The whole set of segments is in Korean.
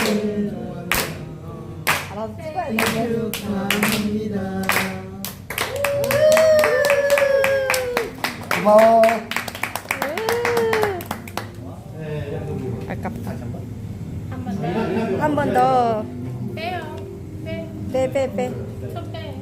알아서 찍어야겠네. 축하합니다. 고마워. 아깝다. 한 번 더. 빼요. 빼. 손 빼.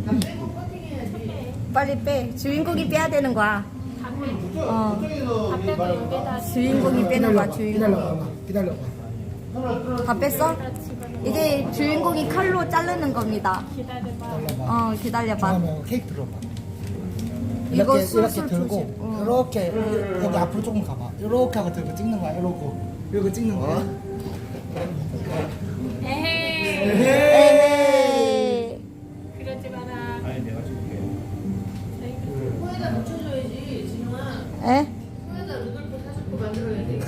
빨리 빼. 주인공이 빼야 되는 거야. 다 빼. 어. 다 빼고 여기다 주인공이 빼는 거야, 주인공. 기다려봐. 다 뺐어? 집어넣어. 이제 주인공이 칼로 자르는 겁니다. 기다려봐. 기다려봐. 잠깐만 케이크 들어봐. 이거 이렇게 술술 들고 조심. 어. 이렇게 여기 앞으로 조금 가봐. 이렇게 하고 들고 찍는 거야. 이러고 찍는 거야. 에헤이. 에헤이. 그러지 마라. 코에다 묻혀줘야지, 진영아. 에? 코에다 루돌프 사주고 만들어야지.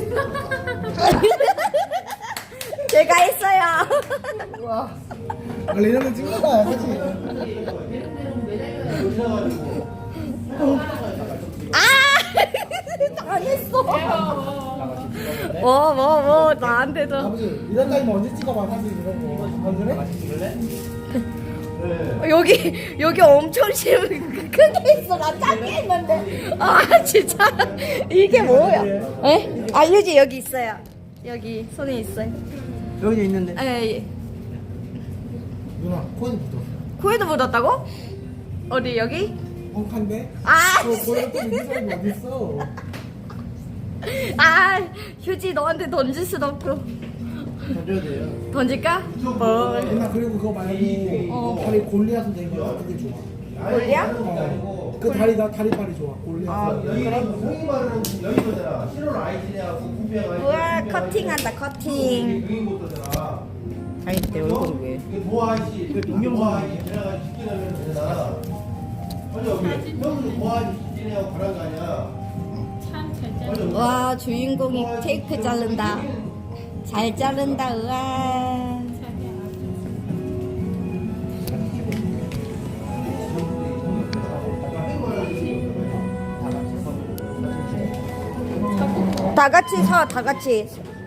제가 했어요. 와. 원래 이런 거 찍는 거야, 그치? 당했어. 나한테도. 아버지, 이런 타임 언제 찍어봐, 사진 이런 거. 안 그래? 여기 엄청 크게 있어. 나 작게 했는데. 아, 진짜. 이게 뭐야? 에? 아, 유지 여기 있어요. 여기 손에 있어요. 여기 있는데. 에, 누나, 코에 묻어. 코에도 묻었다고? 어디 여기? 엉칸데? 아, 코에 또 묻는 사람이 어딨어? 아, 휴지 너한테 던질 수도 없고. 던져야 돼요. 던질까? 누나, 그리고 그거 말고 다리 골리앗으로 된 거 그게 좋아. 골리야? 그 다리빨이 좋아. 골리앗. 아, 그래? 형이 말은 여기거잖아. 7월 아이들이야. 우와, 커팅한다, 커팅. 여기부터잖아. 아니, 내 얼굴이 왜? 이게 모아지. 모아지 지나가지고 시키면 되잖아. 아니 여기 형도 모아지 시키냐고 그런 거 아니야. 참 잘잘. 와, 주인공이 케이크 자른다. 잘 자른다, 우와. 다 같이 서, 다 같이.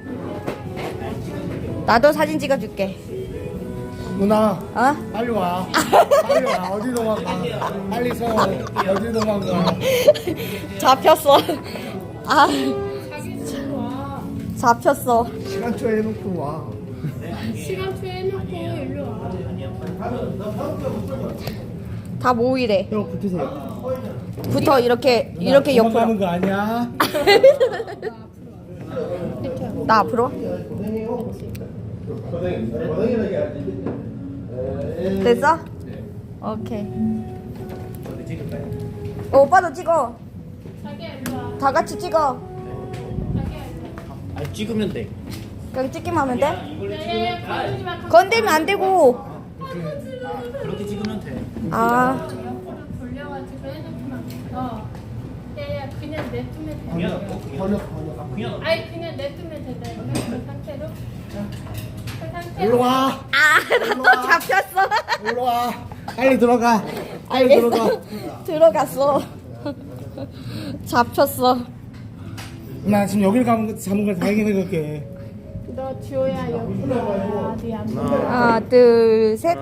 나도 사진 찍어줄게. 누나, 어? 빨리 와. 빨리 와. 어디 도망가. 빨리 서. 어디 도망가. 잡혔어. 아, 자기 와. 잡혔어. 시간초 해놓고 와. 시간표 해놓고 일로 와. 다 모이래. 형 붙으세요. 붙어, 이렇게 도망가는 옆으로. 거 아니야? 나 앞으로? 됐어? 오케이. 오빠도 찍어. 자기야 일로 와. 다 같이 찍어. 자기야 일로 아니 찍으면 돼. 그냥 찍기만 하면 돼? 와. 야야야 건들지 마. 건들면 안 되고. 그렇게 찍으면 돼. 아, 옆으로 돌려가지고 해놓구나. 야야 그냥 냅두면 돼. 벌려. 아니 그냥 냅두면 된다. 그 상태로. 그 상태로. 일로 와. 아, 나 또 잡혔어. 일로 와. 빨리 들어가. 빨리 들어가. 알겠어. 들어갔어. 잡혔어. 나 지금 여길 잡은 걸 다행히 생각해. 너 지호야 여기 와. 네안 보여. 하나, 둘, 셋.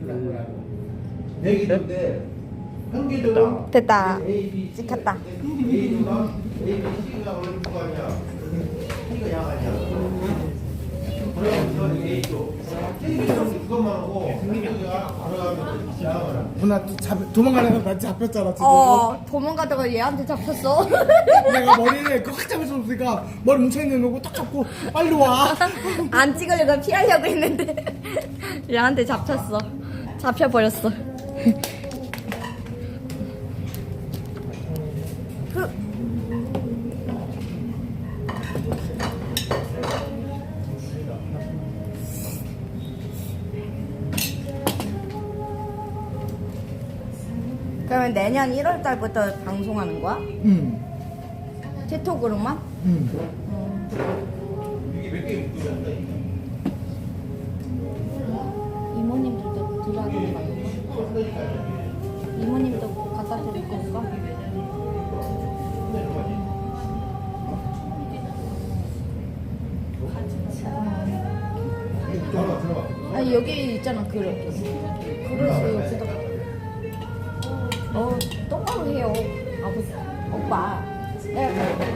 얘기인데 평균적으로 됐다. A, B, C, 찍혔다. A가 A, B, C가 원래 누가 아니야? C가 양 아니야? 그러면 이건 A죠. K는 그것만 하고 B가 걸어가면 양을. 누나 도망가려면 나 잡혔잖아 지금. 도망가다가 얘한테 잡혔어. 내가 머리를 꽉 잡을 수 없으니까 머리 뭉쳐있는 거고 딱 잡고 빨리 와. 안 찍으려고 피하려고 했는데 얘한테 잡혔어. 잡혀버렸어. 그러면 내년 1월 달부터 방송하는 거야? 응. 티톡으로만? 응. 이모님들도 들어가는 거야? 이모님도 갖다 드릴 건가? 아니 여기 있잖아 그릇. 그릇을 여기다가. 똑바로 해요. 아버지, 오빠. 내가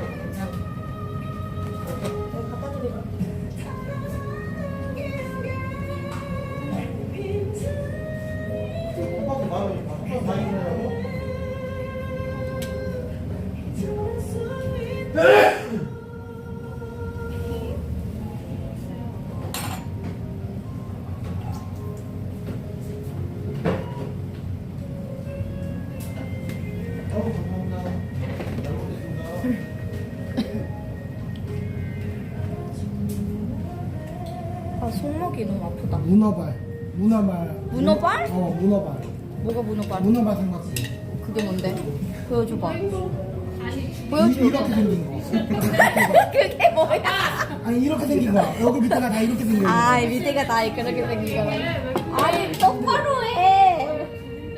갖다 드릴게. 아 손목이 너무 아프다. 문어발. 문어발. 문어발? 문어발. 뭐가 문어발? 문어발 삼각지. 그게 뭔데? 보여줘봐. 이렇게 보여줘. 생긴 거. 그게 뭐야? 아니 이렇게 생긴 거. 여기 밑에가 다 이렇게 생긴 거. 아 밑에가 다 그렇게 생긴 거야. 아니 똑바로 해.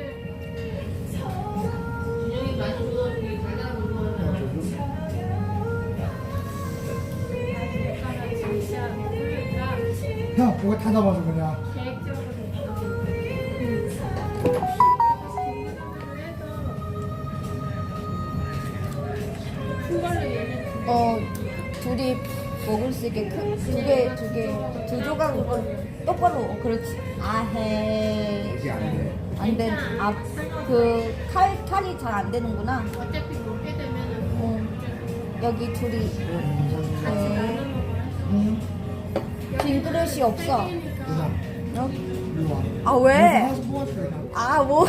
준영이 많이 줘. 되게 달달한 거 좋아하는. 진짜 그러니까 형, 그거 다 잡아줘 그냥. 계획적으로 둘이 먹을 수 있게 두 조각 똑바로 그렇지. 아해. 이게 안 돼. 안 돼. 칼이 잘 안 되는구나. 어차피 먹게 되면은 여기 둘이. 빈 그릇이 없어. 누나, 어? 일로 와. 아 왜? 하나씩 뽑아줄게 그냥. 아 뭐?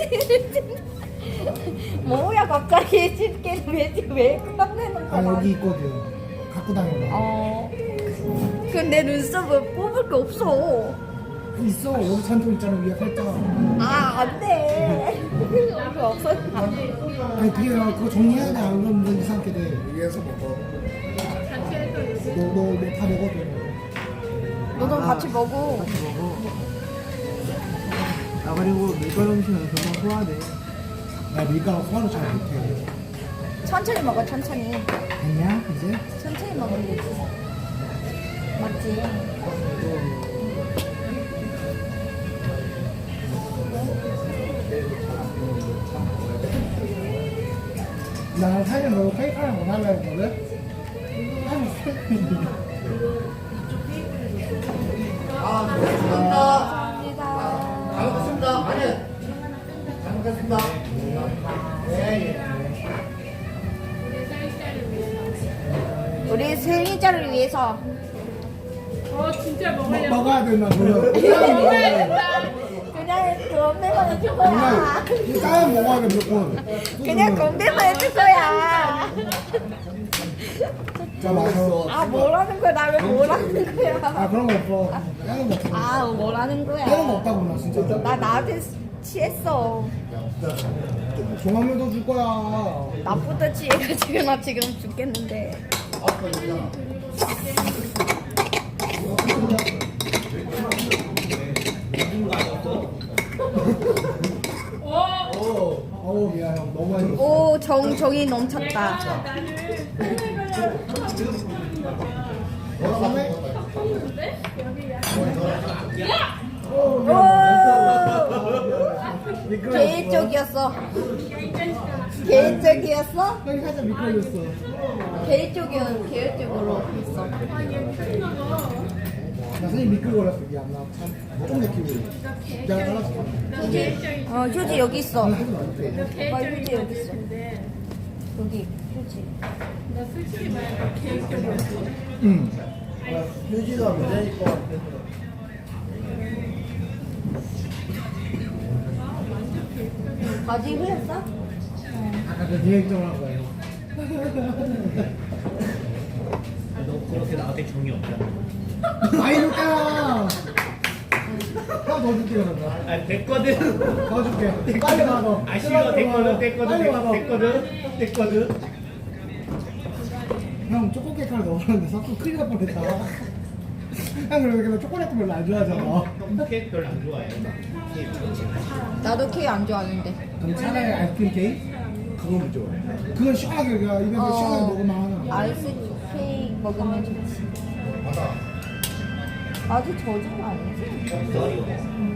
뭐야 갑자기 집게 왜 꺼내는 아 거야? 여기 있거든. 갖고 다녀봐. 근데 눈썹을 뽑을 게 없어. 있어. 여기 잔통 있잖아 위에 살짝. 아 안돼. 여기 없어. 아니 그게 그거 정리해야 돼. 안 그러면 너 이상하게 돼. 위에서 먹어. 너다 먹어도. 너도 같이 먹어. 먹어. 아 그리고 밀가루 음식은 금방 소화돼. 나 밀가루 소화를 잘 못해. 천천히 먹어 천천히. 됐냐 이제? 천천히 먹으면 되지. 맞지? 나 사실 너 케이크 하나 못 할라 했거든? 감사합니다. 잘 먹겠습니다. 아니. 잘 먹겠습니다. 우리 생일자를 위해서. 진짜 먹으려고. 먹어야 된다 그래. 그냥 건배만 해줄 거야. 그냥 까면 먹어야 돼 무조건. 그냥 건배만 해줄 거야. 자 마셔. 아 뭐라는 거야? 나 왜 뭐라는 거야? 아 그런 거 없어. 까는 거 없어. 아 뭐라는 까는 거 거야? 없다고 나 진짜. 나 나한테 취했어. 종합물도 줄 거야. 나부터 취해가지고 나 지금 죽겠는데. 어우 미안 형 너무 많이 줬어. 오 정이 넘쳤다. 다음에 오 개인적이었어. 개인적이었어? 형이 살짝 미끄러졌어. 개인적으로 했어. 나 선생님 미끌거렸어 미안 나참 느끼고. 내가 잘랐어. 휴지 여기 있어. 하지 말게. 나 휴지 여기 있어. 여기 휴지. 나 솔직히 말해 계획적으로. 응. 휴지가 문제일 것 같아. 바지 흘렸어? 아까 그 계획적으로 한 거예요. 너 그렇게 나한테 정이 없잖아. 많이 줄게요. 형더 줄게 그러면. 아 됐거든. 더 줄게. 빨리 가서. 아 싫어 됐거든 빨리 가서. 됐거든. 형 초코 케이크 하나 넣었는데 섞고 큰일 날 뻔했다. 형 그래서 초콜릿 별로 안 좋아하잖아. 형 케이크 별로 안 좋아해. 나도 케이크 안 좋아하는데. 그럼 차라리 아이스크림 케이크? 그건 좋아. 그건 시원하게 그냥 입에서 시원하게 먹으면 하나. 아이스 케이크 먹으면 좋지. 아직 젖은 거 아니지?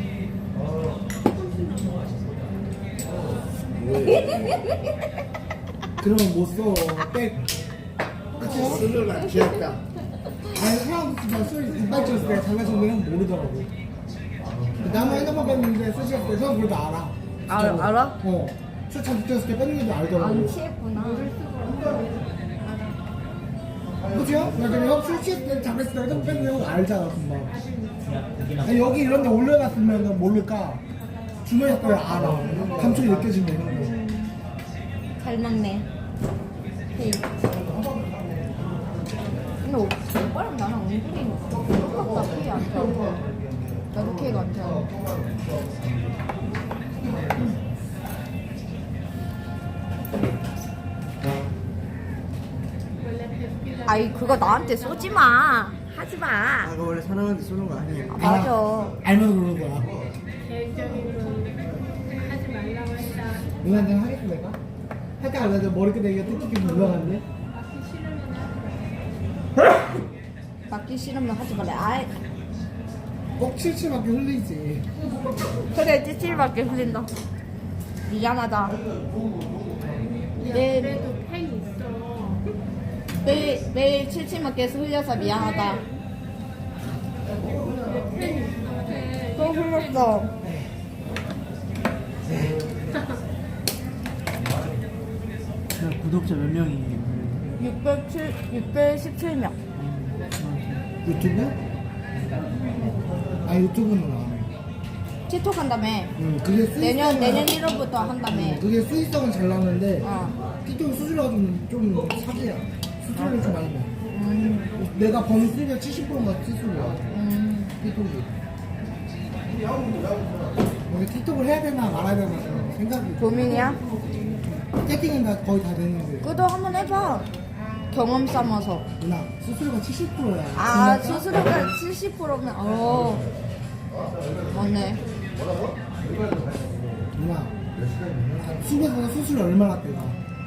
그러면 못 써. 백. 술을 안 취했다. 아니 사람들 술 이빨 쪘을 때 장난치는 모르더라고. 나만 핸드폰 뺐는데 쓰실 때 저는 그래도 알아. 진짜로. 알아? 어. 술 잔뜩 쪘을 때 뺐는 줄 알더라고. 안 취했구나. 그죠? 그냥 술 취했을 때 잠했을 때 핸드폰 뺐는 거 알잖아 금방. 아니, 여기 이런 데 올려놨으면 모를까? 주머니에 거야 알아. 감촉이 느껴진다 이런 거. 잘 먹네. 헤이. 근데 오빠랑 나랑 은근히 똑같다. 케이 안 타. 나도 케이가 안 타. 아이 그거 나한테 쏘지 마. 하지 마. 그거 원래 사람한테 쏘는 거 아니에요? 아, 맞아. 알면서 그러는 거야. 계획적으로 하지 말라고 했다. 누나한테 하겠어 내가? 할때 안 해도 머리끝에 이게 뜯기게 올라갔는데? 맞기 싫으면 하지 말래. 아이 꼭 칠칠밖에 흘리지. 그래 찌질밖에 흘린다. 미안하다. 내 그래도 팬 있어. 매일 칠칠맞게 흘려서 미안하다. 팬 있어. 팬. 또 흘렸어. 구독자 몇 명이에요? 617명. 유튜브? 아 유튜브는 안 해. 틱톡 한다며. 그게 수익성은 내년 1월부터 한다며. 그게 수익성은 잘 나는데 어. 틱톡 수수료가 좀 사기야. 수수료를 좀 많이 내. 내가 버는 수익의 70%가 수수료야. 틱톡이. 근데 틱톡을 해야 되나 말아야 되나 생각이. 고민이야? 세팅은 다 거의 다 됐는데. 그도 한번 해봐. 경험 삼아서. 누나 수수료가 70%야. 아 수수료가 70%면 맞네. 누나 숲에서 수수료 얼마나 떼가?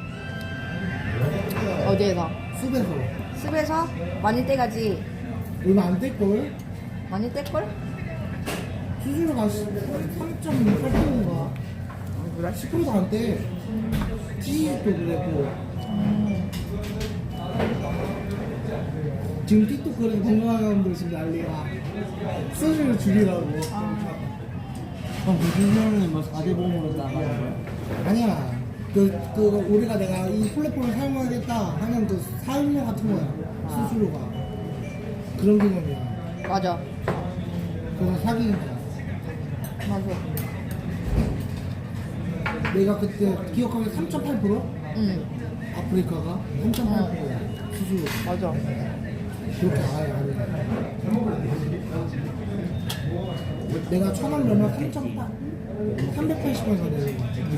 어디에서? 숲에서 습에서 많이 떼가지. 얼마 안 뗄걸? 많이 떼걸? 수수료가 3.8%인가? 그래? 10%도 안 떼. TV도 그랬고. 지금 틱톡 그런 건강한 사람들 지금 난리야. 수수료 줄이라고. 그럼 그 수술은 뭐 4대 보험으로 나가는 거야? 아니야. 우리가 내가 이 플랫폼을 사용하겠다 하는 그 사용료 같은 거야. 수수료가. 그런 개념이야. 맞아. 그래서 사기는 거야. 맞아. 내가 그때 기억하기에 3.8%? 응. 아프리카가 3.8%야. 수수료. 맞아. 그렇게 알아야 돼. 내가 1,000원 넣으면 380원 사네.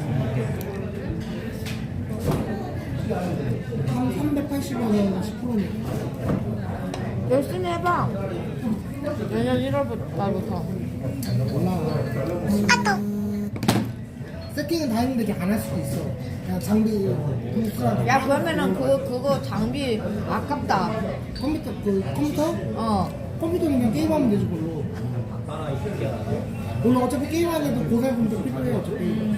380원은 10%니까. 열심히 해봐. 내년 1월부터. 몰라. 세팅은 다 했는데 이렇게 안 할 수도 있어. 그냥 장비 부스라고. 야 그러면은 그거 장비 아깝다. 컴퓨터? 컴퓨터는 그냥 게임하면 되지 그걸로. 물론 어차피 게임하는데도 고사용품도 필요해 어차피.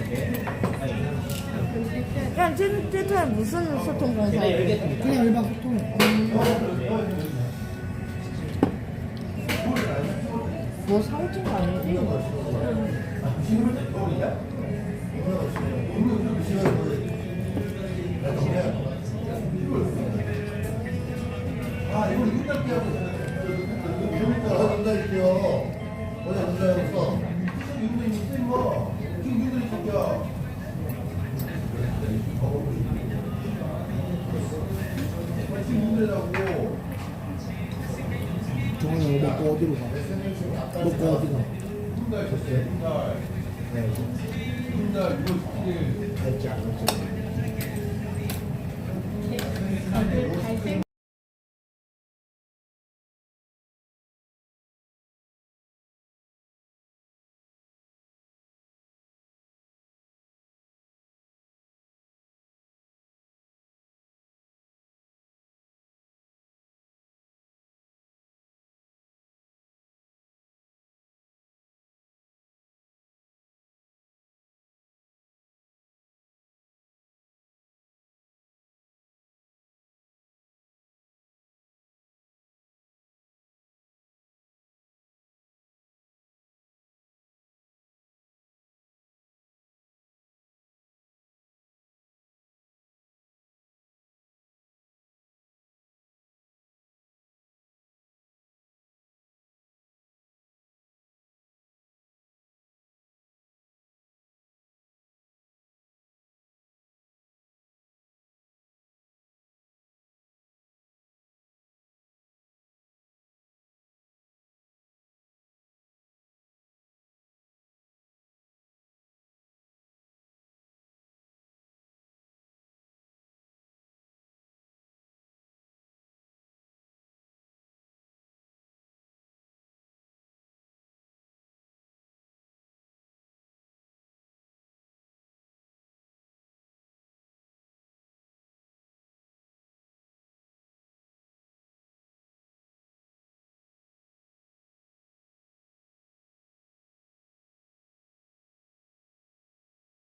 그냥 트위터에 무슨 소통 공사해? 그냥 일반 소통. 뭐 사고 찐거 아니지? 아, 이거 윤달기하고 윤달이요. 어제 윤달이었어. 윤달이 있어, 임마. 지금 윤달이 새끼야. 지금 윤달이라고. 정원이 먹고 어디로 가? 먹고 어디 가? 윤달 줬어요, 윤달. 윤달, 이거 됐지 않았지. 다들 잘생